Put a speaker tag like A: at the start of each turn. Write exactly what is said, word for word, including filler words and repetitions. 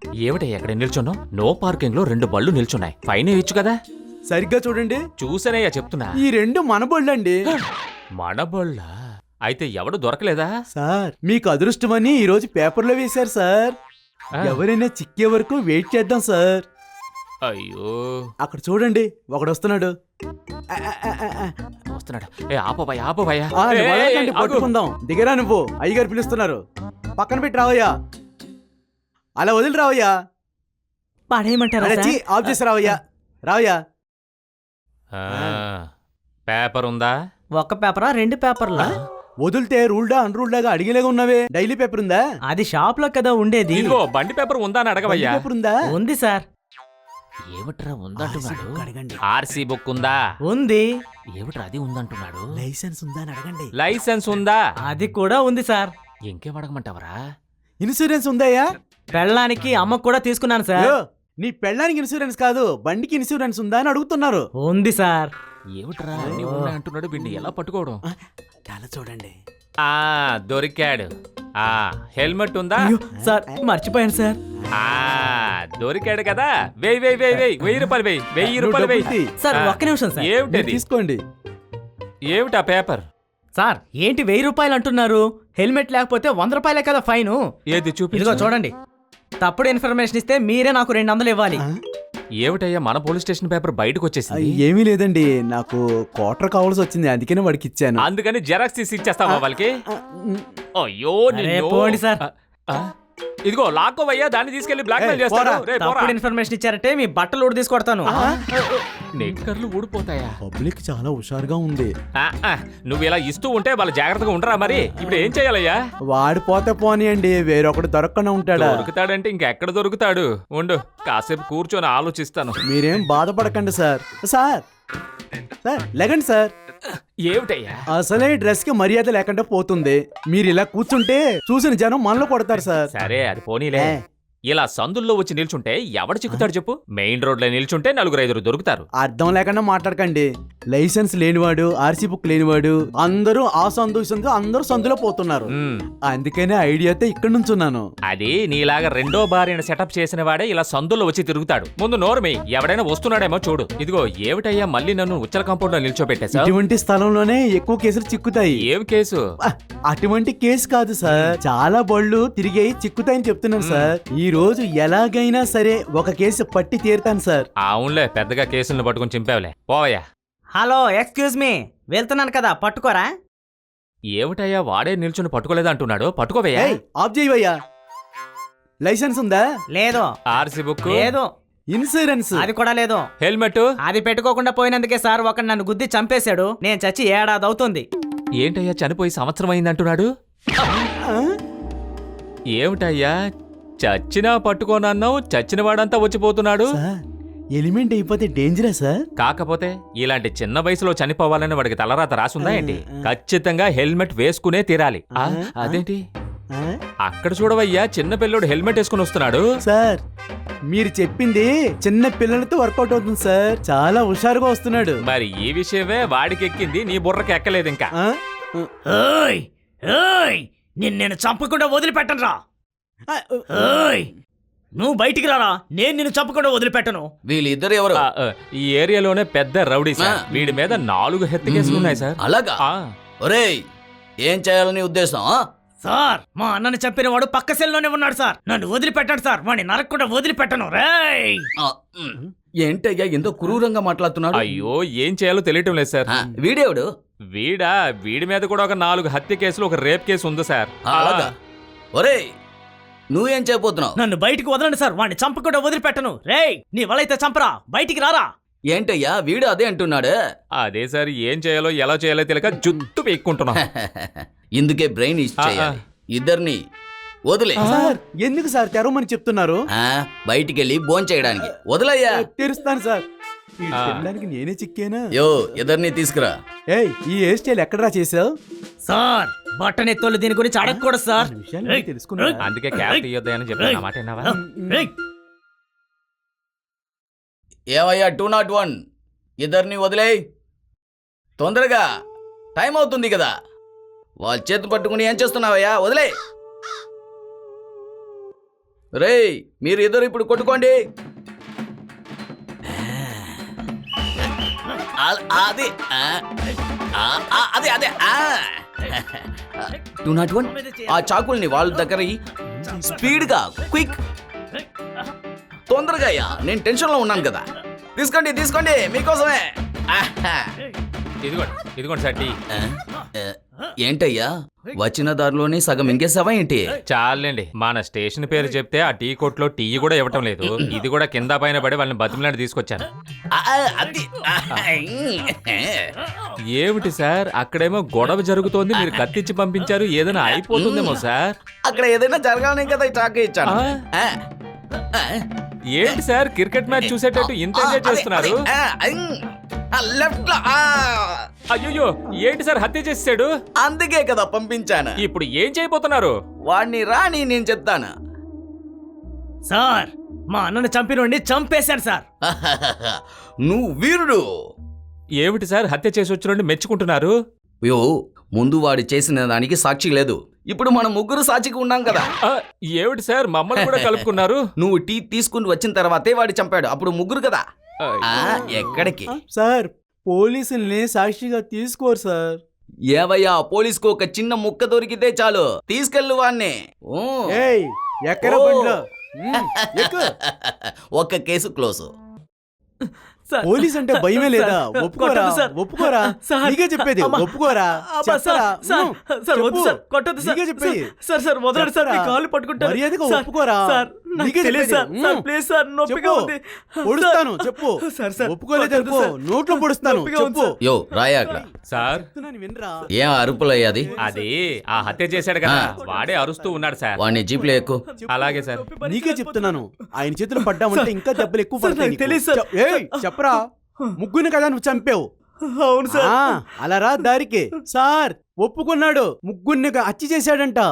A: ఏమిటయ్యా ఎక్కడ నిల్చున్నావు? No parking లో రెండు బళ్ళు నిల్చున్నాయి, ఫైన్ వేయచ్చు కదా.
B: సరిగ్గా చూడండి.
A: చూసానయ్యా చెప్తున్నా.
B: ఈ రెండు మన బళ్ళండి.
A: మన బళ్ళ అయితే ఎవడు దొరకలేదా?
B: సార్ మీకు అదృష్టమని ఈ రోజు పేపర్లో వేశారు సార్. ఎవరైనా చిక్కే వరకు వెయిట్ చేద్దాం సార్.
A: అయ్యో
B: అక్కడ చూడండి, ఒకడు వస్తున్నాడు.
A: వస్తున్నాడు. ఏ ఆపబాయ్ ఆపబాయా,
B: ఆ, నువ్వు వదలకండి, పట్టుకుందాం. దిగరా నువ్వు, అయ్యగారు పిలుస్తున్నారు. పక్కన పెట్టి రావయ్యా, అలా వదిలి రావయ్యా.
C: పడేయమంటారా
B: అరే, చీ, ఆఫ్ చేసి రావయ్యా, రావయ్యా.
A: పేపర్ ఉందా?
C: ఒక పేపరా రెండు పేపర్లా?
B: వదిలితే రూల్డా అన్రూల్డాగా అడిగేలాగా ఉన్నావే. డైలీ పేపర్ ఉందా?
C: అది షాప్ లో కదా ఉండేది.
A: ఇదిగో బండి పేపర్ ఉందా అని అడగవయ్యా.
B: పేపర్ ఉందా?
C: ఉంది సార్.
A: ఏమిట్రా ఉందంటున్నాడు?
B: అడగండి.
A: ఆర్సీ బుక్ ఉందా?
C: ఉంది.
A: ఏమిట్రా అది ఉందంటున్నాడు?
B: లైసెన్స్ ఉందా అని అడగండి.
A: లైసెన్స్ ఉందా?
C: అది కూడా ఉంది సార్.
A: ఇంకేం అడగమంటావరా?
B: ఇన్సూరెన్స్ ఉందాయా?
C: పెళ్ళానికి అమ్మకు కూడా తీసుకున్నాను సార్.
B: యో, నీ పెళ్ళానికి ఇన్సూరెన్స్ కాదు, బండికి ఇన్సూరెన్స్ ఉందా అని అడుగుతున్నారు.
C: ఉంది సార్.
A: ఏమిట్రా అన్ని ఉన్నాయి అంటున్నాడు, వీడిని ఎలా పట్టుకోవడం?
B: చాలా చూడండి.
A: ఆ దొరికాడు. ఆ హెల్మెట్ ఉందా?
C: అయ్యో, సార్ మర్చిపోయాను సార్.
A: ఆ దొరికాడు కదా. వెయ్యి వెయ్యి వెయ్యి వెయ్యి వెయ్యి రూపాయలు వెయ్యి వెయ్యి రూపాయలు వెయ్యి.
C: సార్
A: ఆ,
C: ఒక్క నిమిషం సార్.
A: ఏమిటది?
B: తీసుకోండి.
A: ఏమిటా పేపర్?
C: సార్ ఏంటి వెయ్యి రూపాయలు అంటున్నారు? హెల్మెట్ లేకపోతే వంద రూపాయలే కదా ఫైన్.
A: ఏది చూపి.
C: ఇదిగో చూడండి, తప్పుడు ఇన్ఫర్మేషన్ ఇస్తే మీరే నాకు రెండు వందలు ఇవ్వాలి.
A: ఏమిటయ్యా మన పోలీస్ స్టేషన్ పేపర్ బయటకు వచ్చేసింది?
B: ఏమీ లేదండి, నాకు క్వార్టర్ కావాల్సి వచ్చింది, అందుకనే వాడికి ఇచ్చాను.
A: అందుకని జెరాక్స్ తీసి ఇచ్చేస్తావా వాళ్ళకి? అయ్యో
C: అరే,
A: నిన్ను.
C: పోండి సార్.
A: ఆ, ఇదిగో లాక్కోవయ్యా, దాన్ని తీసుకెళ్లి బ్లాక్ మెయిల్
B: ఏయ్,
A: చేస్తాను.
B: పోరా.
A: రే, పోరా.
C: తప్పుడు ఇన్ఫర్మేషన్ ఇచ్చారంటే మీ బట్టలు ఊడి తీసుకొడతాను.
A: నెక్కర్లు ఊడిపోతాయా?
B: పబ్లిక్ చాలా హుషారుగా ఉంది.
A: ఆ, ఆ, నువ్వు ఇలా ఇస్తూ ఉంటే వాళ్ళు జాగ్రత్తగా ఉండరా? మరి ఇప్పుడు ఏం చేయాలయ్యా?
B: వాడిపోతే పోనీ అండి, వేరొకడు దొరకకుండా ఉంటాడా?
A: దొరుకుతాడంటే ఇంకెక్కడ దొరుకుతాడు? ఉండు కాసేపు కూర్చొని ఆలోచిస్తాను.
B: మీరేం బాధపడకండి సార్. సార్ సార్ లేకండి సార్.
A: ఏమిటయ్యా?
B: అసలే డ్రెస్ కి మర్యాద లేకుండా పోతుంది. మీరు ఇలా కూర్చుంటే చూసిన జనం మనలో కొడతారు సార్.
A: సరే అది పోనీలే.
B: ఏ.
A: ఇలా సందుల్లో వచ్చి నిల్చుంటే ఎవడు చిక్కుతాడు చెప్పు? మెయిన్ రోడ్ లో నిల్చుంటే నలుగురు ఐదుగురు దొరుకుతారు.
B: అర్థం లేకుండా మాట్లాడకండి. లైసెన్స్ లేనివాడు, ఆర్సీ బుక్ లేనివాడు అందరూ ఆ సందు ఈ సందు అందరూ సందులో పోతున్నారు.
A: ఉమ్,
B: అందుకనే ఐడియాతో ఇక్కడ నుంచున్నాను.
A: అది నీలాగా రెండో భార్యను సెటప్ చేసిన వాడే ఇలా సందుల్లో వచ్చి తిరుగుతాడు. ముందు నోరుమి, ఎవడైనా వస్తున్నాడేమో చూడు. ఇదిగో ఏమిటయ్యా మళ్ళీ నన్ను ఉచ్చల కాంపౌండ్ లో నిల్చోబెట్టేశా?
B: ఇటువంటి స్థలంలోనే ఎక్కువ కేసులు చిక్కుతాయి.
A: ఏం కేసు?
B: ఆ, అటువంటి కేసు కాదు సార్, చాలా బళ్ళు తిరిగాయి చిక్కుతాయని చెప్తున్నాను సార్. ఈ రోజు ఎలాగైనా సరే ఒక కేసు పట్టి తీరుతాను సార్.
A: అవునులే, పెద్దగా కేసులను పట్టుకుని చింపావులే. పోవయ్యా.
C: హలో, ఎక్స్క్యూజ్ మీ, వెళ్తున్నాను కదా, పట్టుకోరా.
A: ఏమిటయ్యా వాడే నిల్చుని పట్టుకోలేదు అంటున్నాడు? పట్టుకోవయ్యా.
B: ఏయ్, ఆఫ్ చేయవయ్యా. లైసెన్స్ ఉందా?
C: లేదు.
A: ఆర్సీ బుక్
C: లేదు.
B: ఇన్సూరెన్స్?
C: అది కూడా లేదు.
A: హెల్మెట్?
C: అది పెట్టుకోకుండా పోయినందుకే సార్ ఒకడు నన్ను గుద్ది చంపేశాడు. నేను చచ్చి ఏడాది అవుతుంది.
A: ఏంటయ్యా చనిపోయి సంవత్సరం అయిందంటున్నాడు?
B: ఆ?
A: ఏమిటయ్యా చచ్చినా పట్టుకోనన్నావు, చచ్చిన వాడంతా వచ్చిపోతున్నాడు.
B: సార్ ఎలిమెంట్ అయిపోతే డేంజరా సార్?
A: కాకపోతే ఇలాంటి చిన్న వయసులో చనిపోవాలని వాడికి తలరాత రాసుందా ఏంటి? ఖచ్చితంగా హెల్మెట్ వేసుకునే తీరాలి. ఆ, అదేంటి
B: ఆ?
A: అక్కడ చూడవయ్యా, చిన్న పిల్లోడు హెల్మెట్ వేసుకుని వస్తున్నాడు.
B: సార్ మీరు చెప్పింది చిన్న పిల్లలతో వర్కౌట్ అవుతుంది సార్. చాలా హుషారుగా వస్తున్నాడు.
A: మరి ఈ విషయమే వాడికి ఎక్కింది, నీ బుర్రకి ఎక్కలేదు ఇంకా.
B: ఆ?
C: ఓయ్ ఓయ్, నిన్ను నేను చంపకుండా వదిలిపెట్టను రా.
B: ఆ,
C: ఓయ్, నువ్వు బయటికి రారా, నేను నిన్ను చంపకుండా వదిలిపెట్టను.
D: వీళ్ళిద్దరు ఎవరు?
A: ఆ, ఆ, ఈ ఏరియాలోనే పెద్ద రౌడీ సార్.
D: ఆ.
A: వీడి మీద నాలుగు హెత్త కేసులు ఉన్నాయి సార్.
D: అలాగా?
A: ఆ,
D: ఒరేయ్, ఏం చేయాలని ఉద్దేశం? ఆ?
C: సార్ మా అన్నని చంపిన వాడు పక్క సెల్లోనే ఉన్నాడు సార్. నన్ను వదిలిపెట్టండి సార్, వాడిని నరకకుండా వదిలిపెట్టను. రేయ్,
D: ఆ, ఉమ్. ఏంటయ్యా ఎంతో క్రూరంగా మాట్లాడుతున్నాడు?
A: అయ్యో ఏం చేయాలో తెలియటం లేదు సార్.
D: ఆ, వీడేవుడు?
A: వీడా వీడి మీద కూడా ఒక నాలుగు హత్య కేసులు, ఒక రేప్ కేసు ఉంది సార్.
D: అలాగా? ఒరేయ్, నువ్వేం చేయబోతున్నావు?
C: నన్ను బయటికి వదలండి సార్, వాడిని చంపకుండా వదిలిపెట్టను. రేయ్, నీ వలైతే చంపరా, బయటికి రారా.
D: ఏంటయ్యా వీడు అదే అంటున్నాడు?
A: అదే సార్, ఏం చేయాలో ఎలా చేయాలో తెలియక జుట్టు పీక్కుంటున్నాం.
D: ఇందుకే బ్రెయిన్ ఇచ్చేయాలి. ఇద్దరిని వదిలే.
B: సార్ ఎందుకు సార్ తెరవమని చెప్తున్నారు?
D: బయటికెళ్ళి భోంచేయడానికి చేయడానికి వదిలయ్యా.
B: తెరుస్తాను సార్. వీడు తినడానికి నేనే చిక్కేనా?
D: యో, ఇద్దరిని తీసుకురా.
B: ఏయ్, ఈ హెయిర్ స్టైల్ ఎక్కడరా చేసావు?
C: సార్ బట్టనెత్తోళ్ళు దీని గురించి అడగకూడదు సార్.
B: విషయాలు తెలుసుకున్నా.
A: అందుకే క్యాబ్ తీయొద్దని చెప్పాను. మాట విన్నావా?
C: రేయ్,
D: ఏమయ్యా టూ నాట్ వన్, ఇద్దరిని వదిలేయ్ తొందరగా, టైం అవుతుంది కదా. వాళ్ళ చేతి పట్టుకుని ఏం చేస్తున్నావయ్యా? వదిలే. రేయ్ మీరు ఇద్దరు ఇప్పుడు కొట్టుకోండి. ఆ- అది ఆ, ఆ, ఆ, అదే అదే టూ నాట్ వన్ ఆ చాకుల్ని వాళ్ళ దగ్గర స్పీడ్గా క్విక్ తొందరగా అయ్యా, నేను టెన్షన్లో ఉన్నాను కదా. తీసుకోండి తీసుకోండి మీకోసమే. ఆహా.
A: ఇదిగోండి ఇదిగోండి సార్ టీ.
D: ఆ, ఆ, ఏంటయ్యా వచ్చిన దారిలోనే సగం ఇంకేసావా ఏంటి?
A: చాలండి మన స్టేషన్ పేరు చెప్తే ఆ టీ కొట్లో టీ కూడా ఇవ్వటం లేదు. ఇది కూడా కింద పైన పడి వాళ్ళని బతిమలాంటి తీసుకొచ్చాను.
D: ఆ, అది ఆ,
A: ఏమిటి సార్ అక్కడేమో గొడవ జరుగుతోంది, మీరు కత్తిచ్చి పంపించారు, ఏదైనా అయిపోతుందేమో సార్.
D: అక్కడ ఏదైనా జరగాలని కదా ఈ చాకు ఇచ్చాను.
A: ఆ?
D: ఆ, ఆ.
A: ఏంటి సార్ క్రికెట్ మ్యాచ్ చూసేటట్టు ఇంత ఎంజాయ్ చేస్తున్నారు?
D: లెఫ్ట్ లో ఆ.
A: అయ్యో ఏంటి సార్ హత్య చేసాడు?
D: అందుకే కదా పంపించాను.
A: ఇప్పుడు ఏం చేయబోతున్నారు?
D: వాడిని రాని నేను చెప్తాను.
C: సార్ మా అన్నను చంపినోడిని చంపేశాను సార్.
D: నువ్వు వీరుడు.
A: ఏమిటి సార్ హత్య చేసి వచ్చినండి మెచ్చుకుంటున్నారు?
D: అయ్యో ముందు వాడు చేసిన దానికి సాక్షి లేదు, ఇప్పుడు మనం ముగ్గురు సాక్షికి ఉన్నాం కదా.
A: ఆ, ఏమిటి సార్ మమ్మల్ని కూడా కలుపుకున్నారు?
D: నువ్వు టీ తీసుకుని వచ్చిన తర్వాతే వాడు చంపాడు, అప్పుడు ముగ్గురు కదా. ఆ, ఎక్కడికి
B: సార్ పోలీసుల్ని సాక్షిగా తీసుకోరు సార్.
D: ఏవయ్యా పోలీసుకు ఒక చిన్న ముక్క దొరికితే చాలు తీసుకెళ్ళు వాణ్ణి. ఓ.
B: ఏయ్ ఎక్కడ
D: ఓ.
B: బండిలో ఉమ్, ఎక్కు.
D: ఒక్క కేసు క్లోజ్.
C: సార్,
B: పోలీస్ అంటే భయమే లేదా?
C: సార్,
B: ఒప్పుకోరా
C: కొట్టొద్దు సార్.
B: ఒప్పుకోరా
C: సార్,
B: నీకే చెప్పేది
C: అమ్మా.
B: ఒప్పుకోరా
C: అబ్బా, సార్,
B: చెప్పరా?
C: సార్,
B: ఉమ్,
C: సార్, వద్దు
B: చెప్పు.
C: సార్, కొట్టొద్దు సార్.
B: నీకే చెప్పేది.
C: సార్, సార్, వదలండి సార్, మీ
B: చెప్పరా?
C: కాళ్ళు పట్టుకుంటాను.
B: మర్యాదగా
C: సార్,
B: ఒప్పుకోరా?
C: సార్, నాకు
B: నీకే
C: తెలియదు
B: చెప్పేది.
C: సార్. సార్,
B: ఉమ్.
C: ప్లీజ్ సార్, నొప్పిగా
B: చెప్పు.
C: ఉంది.
B: పొడుస్తాను
C: సార్,
B: చెప్పు.
C: సార్, సార్,
B: ఒప్పుకోలేదు
C: కొట్టొద్దు
B: చెప్పు.
C: సార్.
B: నోట్లో పొడుస్తాను
C: నొప్పిగా ఉంది
B: చెప్పు.
C: సార్.
D: యో రాయా అక్కడ.
A: సార్
B: చెప్తున్నాను వినరా?
D: ఏం అరుపులయ్యాది?
A: అది ఆ హత్య చేశాడు కదా,
D: ఆ.
A: వాడే అరుస్తూ ఉన్నాడు సార్.
D: వాడిని జీప్లో ఎక్కు.
A: అలాగే సార్.
B: నీకే చెప్తున్నాను ఆయన చేతులు పడ్డామంటే ఇంకా దెబ్బలు ఎక్కువ
C: సార్,
B: పడతాయి
C: నాకు
B: నీకు.
C: తెలియదు సార్.
B: చెప్- ఏయ్, చెప్పరా ముగ్గురిని కదా నువ్వు చంపావు.
C: అవును సార్.
B: ఆ, అలా రా దారికి. సార్ ఒప్పుకున్నాడు ముగ్గురిని హత్య చేశాడంట.